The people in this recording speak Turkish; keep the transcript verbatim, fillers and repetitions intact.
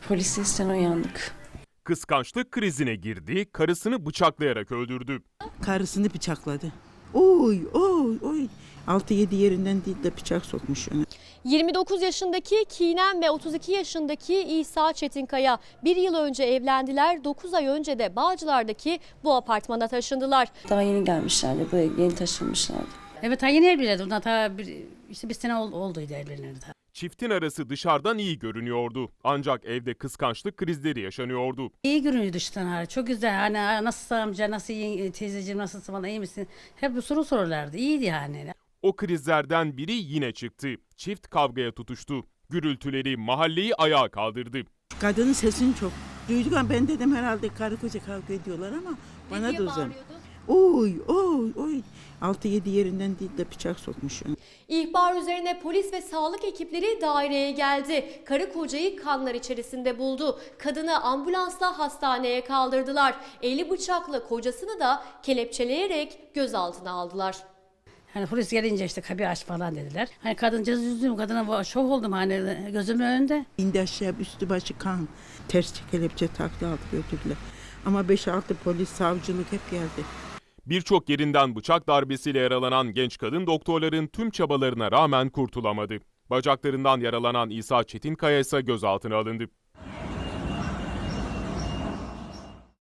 Polis seslerine uyandık. Kıskançlık krizine girdi, karısını bıçaklayarak öldürdü. Karısını bıçakladı. Oy oy oy. altı yedi yerinden değil de bıçak sokmuş ona. yirmi dokuz yaşındaki Kinem ve otuz iki yaşındaki İsa Çetinkaya bir yıl önce evlendiler. dokuz ay önce de Bağcılar'daki bu apartmana taşındılar. Daha yeni gelmişlerdi, buraya yeni taşınmışlardı. Evet, ha yeni evlenirdi. Ondan ta bir, işte bir sene ol, olduydu evlenirdi. Çiftin arası dışarıdan iyi görünüyordu. Ancak evde kıskançlık krizleri yaşanıyordu. İyi görünüyor dıştan hali. Çok güzel. Hani nasılsın amca, nasıl iyi, teyzeciğim, nasılsın falan, iyi misin? Hep bu soru sorarlardı. İyiydi yani. O krizlerden biri yine çıktı. Çift kavgaya tutuştu. Gürültüleri mahalleyi ayağa kaldırdı. Kadının sesini çok duyduk ama ben dedim herhalde karı koca kavga ediyorlar ama bana diye da uzan. bağırıyordu? Oy oy oy. altı yedi yerinden değil de bıçak sokmuş ona. İhbar üzerine polis ve sağlık ekipleri daireye geldi. Karı kocayı kanlar içerisinde buldu. Kadını ambulansla hastaneye kaldırdılar. Eli bıçaklı kocasını da kelepçeleyerek gözaltına aldılar. Hani polis gelince işte kapıyı aç falan dediler. Hani kadıncağız üzüldüm. Kadına şok oldum hani gözümün önünde. İndi aşağı üstü başı kan. Ters kelepçe taktı aldı götürdüler. Ama beş altı polis savcılık hep geldi. Birçok yerinden bıçak darbesiyle yaralanan genç kadın doktorların tüm çabalarına rağmen kurtulamadı. Bacaklarından yaralanan İsa Çetinkaya ise gözaltına alındı.